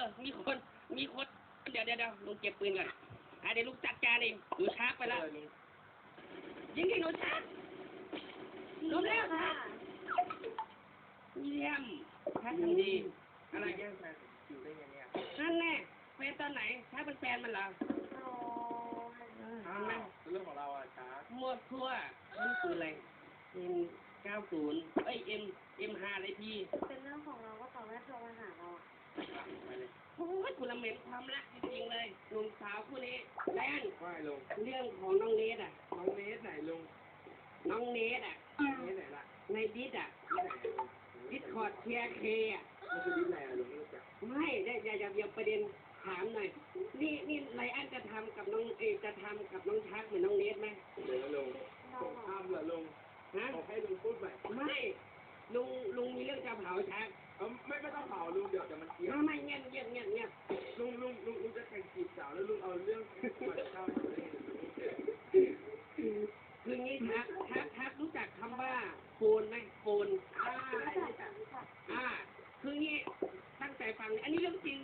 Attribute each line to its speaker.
Speaker 1: มีคน เดี๋ยวลุงเก็บปืนก่อนเดี๋ยวลุงจัดการเองหนูชาร์จไปแล้วยิงที่หนูชาร์จลุงแล้วค่ะเยี่ยมชาร์จทำดีอะไรแย่งแฟนอยู่ได้ไงเนี่ยนั่นแน่แฟนตอนไหนชาร์จเป็นแฟนมันเหรอเรื่องของเราอ่ะชาร์จมั่วทั่วนี่คืออะไรM90M5อะไรพี่
Speaker 2: เป็นเรื่องของเราก็ต่อแม่โทรมาหาเรา
Speaker 1: โอ้ยคุณละเหม็นความรักจริงๆเลยหนุ่มสาวคู่นี้แป้งว่าลุงเรื่องของน้องเนทน้องเนทไหนลุงน้องเนทเนทไหนล่ะในดิสดิสคอร์ดเคเคมันคือดิสอะไรลุงไม่รู้จักไม่ได้อย่าประเด็นถามหน่อยนี่ไรอันจะทำกับน้องจะทำกับน้องชักเหมือนน้องเนทไหมเดี๋ยวลุงผมทำเหรอลุงผมให้ลุงพูดไปไม่ลุงมีเรื่องจะเผาชักไม่ต้องเผาลุงเดี๋ยวมันเกี่ยวไม่เงียบลุงจะแข่งจีบสาวแล้วลุงเอาเรื่องมาเข้าเลยคืองี้ทักรู้จักคำว่าโฟนไหมโฟนรู้จักคืองี้ตั้งใจฟังอันนี้เรื่องจริง